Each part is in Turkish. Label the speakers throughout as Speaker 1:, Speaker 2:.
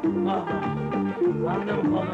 Speaker 1: Ah! Sandım kolum!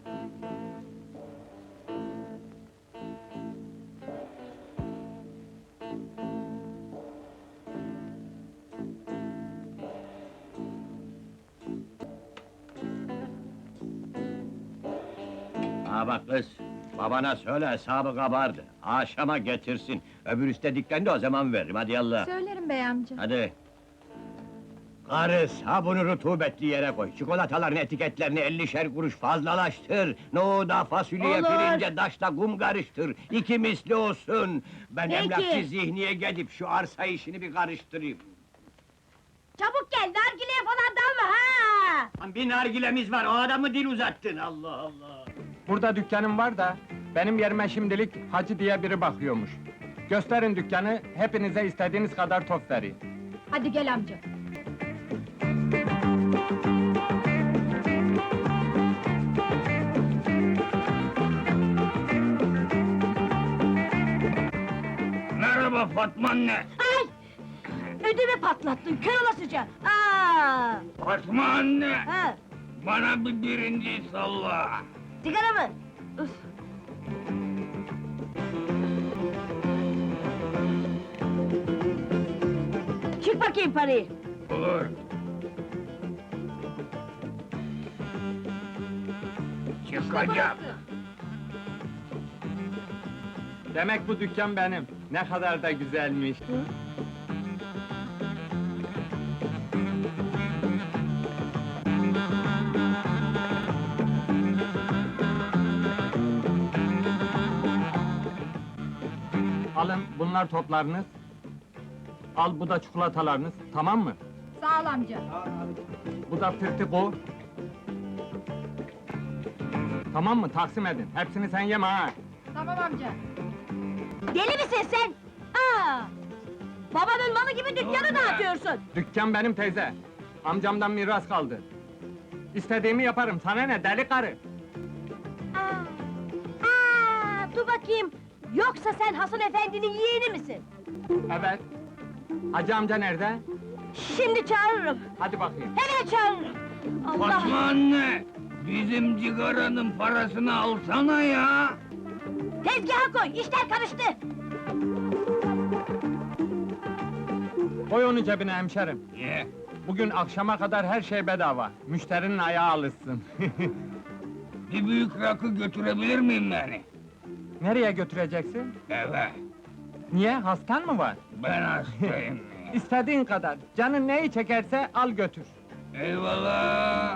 Speaker 2: Ha bak kız, babana söyle hesabı kabardı. Akşama getirsin. Öbür istediklerini de o zaman veririm, hadi yallah.
Speaker 3: Söylerim bey amca.
Speaker 2: Hadi. Karı, sabunu rutubetli yere koy. Çikolataların etiketlerini 50'şer kuruş fazlalaştır. Nohuda, fasulyeye,
Speaker 3: Olur.
Speaker 2: pirince, daşla kum karıştır. İki misli olsun. Ben
Speaker 3: Peki.
Speaker 2: emlakçı Zihni'ye gidip şu arsa işini bir karıştırayım.
Speaker 3: Çabuk gel, nargileye falan dalma ha!
Speaker 2: Lan bir nargilemiz var, o adamı dil uzattın, Allah Allah!
Speaker 4: Burada dükkanım var da, benim yerime şimdilik Hacı diye biri bakıyormuş. Gösterin dükkanı, hepinize istediğiniz kadar top vereyim.
Speaker 3: Hadi gel amca.
Speaker 2: Merhaba Fatma anne!
Speaker 3: Ay! Ödümü patlattın, kör olasıca! Aa!
Speaker 2: Fatma anne!
Speaker 3: Ha!
Speaker 2: Bana bir birinci salla!
Speaker 3: Sigara mı? Üf! Çık bakayım parayı!
Speaker 2: Olur! Çıkacağım!
Speaker 4: Demek bu dükkan benim. Ne kadar da güzelmiş. Alın, bunlar toplarınız. Al, bu da çikolatalarınız, tamam mı?
Speaker 3: Sağ ol amca.
Speaker 4: Bu da tırtıko. Tamam mı? Taksim edin. Hepsini sen yeme ha!
Speaker 3: Tamam amca. Deli misin sen? Aa! Babanın malı gibi dükkanı dağıtıyorsun!
Speaker 4: Dükkan benim teyze. Amcamdan miras kaldı. İstediğimi yaparım, sana ne deli karı?
Speaker 3: Dur bakayım! Yoksa sen Hasan efendinin yeğeni misin?
Speaker 4: Evet. Hacı amca nerede?
Speaker 3: Şimdi çağırırım!
Speaker 4: Hadi bakayım.
Speaker 3: Hemen çağırırım! Allah!
Speaker 2: Fatma anne! Bizim cigaranın parasını alsana ya!
Speaker 3: Tezgaha koy, işler karıştı!
Speaker 4: Koy onu cebine hemşerim.
Speaker 2: Ye!
Speaker 4: Bugün akşama kadar her şey bedava. Müşterinin ayağı alışsın.
Speaker 2: Bir büyük rakı götürebilir miyim yani?
Speaker 4: Nereye götüreceksin?
Speaker 2: Eve!
Speaker 4: Niye, hastan mı var?
Speaker 2: Ben hastayım!
Speaker 4: İstediğin kadar, canın neyi çekerse al götür.
Speaker 2: Eyvallah!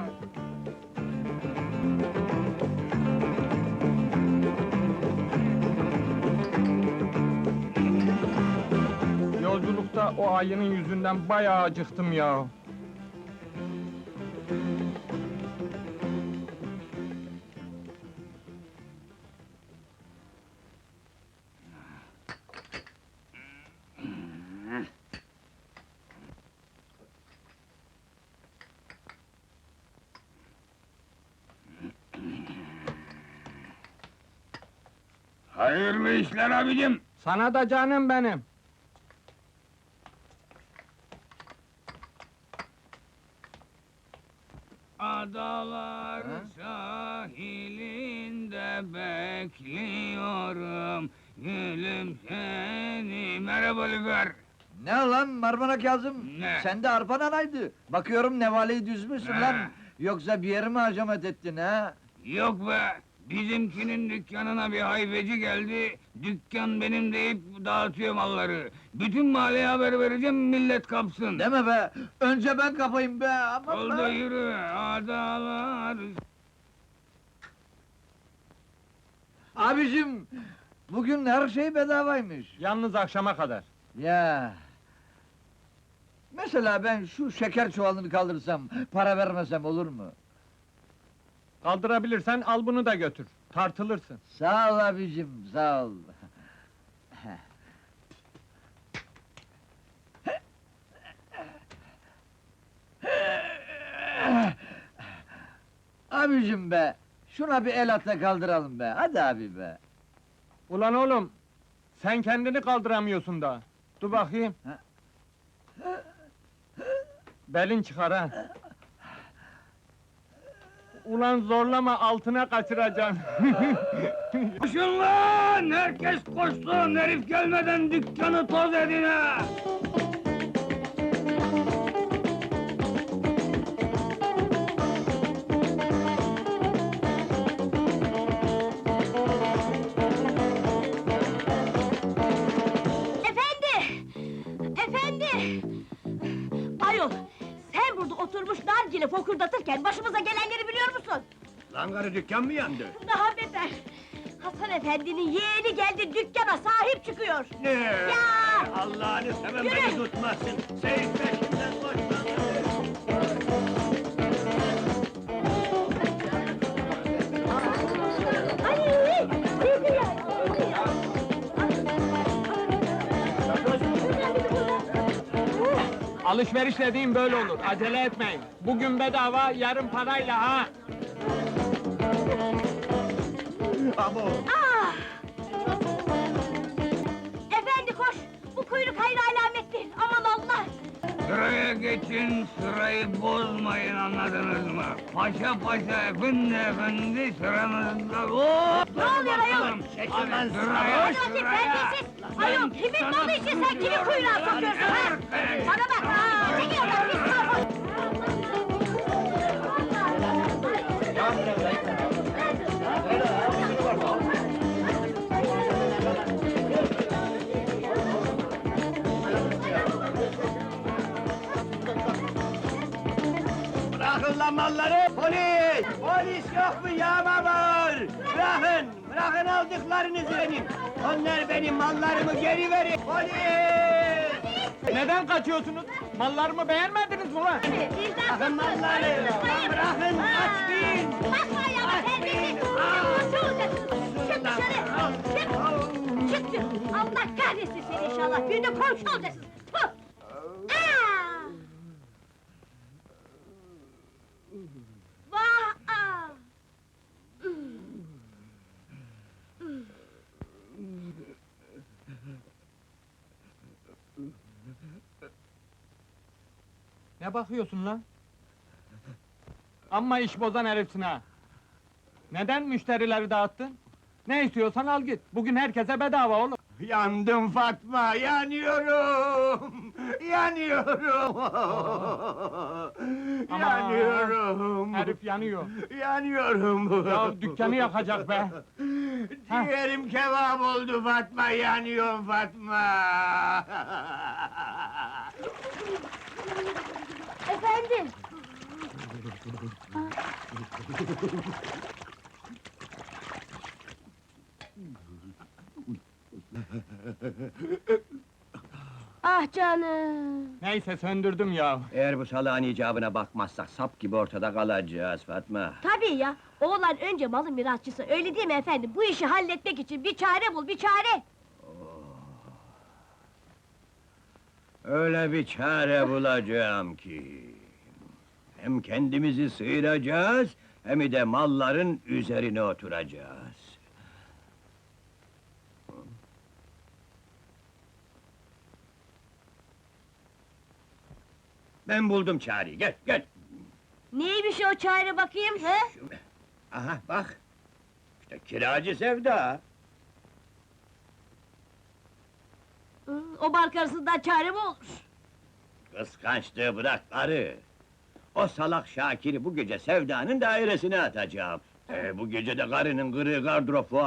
Speaker 4: Yolculukta o ayının yüzünden bayağı acıktım ya.
Speaker 2: Hayırlı işler abicim!
Speaker 4: Sana da canım benim.
Speaker 2: Adalar sahilinde bekliyorum, gülüm seni. Merhaba Lüfer!
Speaker 5: Ne lan Marmara Kazım?
Speaker 2: Ne?
Speaker 5: Sen de arpan anaydı. Bakıyorum nevaleyi düzmüşsün
Speaker 2: Ne?
Speaker 5: lan. Yoksa bir yere mi hacamet ettin ha?
Speaker 2: Yok be! Bizimkinin dükkanına bir hayfeci geldi, dükkan benim deyip dağıtıyor malları. Bütün mahalleye haber vereceğim, millet kapsın.
Speaker 5: Deme be! Önce ben kapayım be! Aman
Speaker 2: Oldu
Speaker 5: be!
Speaker 2: yürü, adalar...
Speaker 5: Abicim! Bugün her şey bedavaymış.
Speaker 4: Yalnız akşama kadar.
Speaker 5: Ya! Mesela ben şu şeker çuvalını kaldırsam, para vermesem olur mu?
Speaker 4: Kaldırabilirsen al bunu da götür. Tartılırsın.
Speaker 5: Sağ ol abicim, sağ ol. Abicim be! Şuna bir el at da kaldıralım be, hadi abi be!
Speaker 4: Ulan oğlum, sen kendini kaldıramıyorsun da. Dur bakayım.
Speaker 5: Ha?
Speaker 4: Belin çıkar ha. Ulan zorlama, altına kaçıracaksın.
Speaker 2: Koşun lan! Herkes koşsun! Herif gelmeden dükkanı toz edin ha!
Speaker 3: Efendi! Efendi! Ayol, sen burada oturmuş nargile fokurdatırken başımıza gelenleri biliyor musun?
Speaker 6: Lan karı dükkan mı yandı?
Speaker 3: Daha beter! Hasan efendinin yeğeni geldi, dükkana sahip çıkıyor!
Speaker 6: Ne?
Speaker 3: Ya!
Speaker 6: Allah'ını seven
Speaker 3: Yürü!
Speaker 6: beni tutmasın. Seyit peşimden koşma.
Speaker 3: Ay! Bizi ya!
Speaker 4: Alışveriş dediğim böyle olur, acele etmeyin. Bugün bedava, yarın parayla ha!
Speaker 6: Abo!
Speaker 3: Ah! Efendi koş! Bu kuyruk hayır alamettir, aman Allah!
Speaker 2: Sıraya geçin, sırayı bozmayın, anladınız mı? Paşa paşa, efendi sıranızda... Hop!
Speaker 3: Ne oluyor ayol?
Speaker 2: Bakalım.
Speaker 6: Çekil lan
Speaker 2: Sıraya,
Speaker 3: Hadi terbiyesiz! Ayol, kimin malı için sen kimi kuyruğa sokuyorsun ha? Bana bak! Aa, çekil oradan, pis sarhoş!
Speaker 6: Bırakın lan malları! Polis! Polis yok mu yağma var? Bırakın! Bırakın aldıklarınızı benim! Onlar benim, mallarımı geri verin! Polis!
Speaker 4: Neden kaçıyorsunuz? Mallarımı beğenmediniz mi lan?
Speaker 6: Bırakın malları! Bırakın, açmayın!
Speaker 3: Bakma ayağıma terbiyesiz! Komşu olacaksın! Çık dışarı! Çık! Çık çık! Allah kahretsin seni inşallah! Bir de komşu olacaksın! Puh! Aa! Vah! Aa!
Speaker 4: Ne bakıyorsun lan? Amma iş bozan herifsin ha! Neden müşterileri dağıttın? Ne istiyorsan al git, bugün herkese bedava oğlum!
Speaker 6: Yandım Fatma, yanıyorum! Yanıyorum!
Speaker 4: Aman!
Speaker 6: Yanıyorum!
Speaker 4: Herif yanıyor!
Speaker 6: Yanıyorum!
Speaker 4: Ya dükkanı yakacak be!
Speaker 6: Ciğerim kebap oldu Fatma, yanıyorum Fatma!
Speaker 3: Efendim! Ah canım!
Speaker 4: Neyse söndürdüm ya!
Speaker 6: Eğer bu salağın icabına bakmazsak sap gibi ortada kalacağız Fatma.
Speaker 3: Tabii ya! Oğlan önce malın mirasçısı, öyle değil mi efendim? Bu işi halletmek için bir çare bul, bir çare!
Speaker 6: Öyle bir çare bulacağım ki... Hem kendimizi sıyıracağız, hem de malların üzerine oturacağız. Ben buldum çareyi, gel, gel!
Speaker 3: Neymiş o çare bakayım, he?
Speaker 6: Aha, bak! İşte kiracı Sevda!
Speaker 3: O bark arasından çare mi olur?
Speaker 6: Kıskançlığı bırak karı! O salak Şakir'i bu gece Sevda'nın dairesine atacağım. Bu gece de karının kırığı gardıropu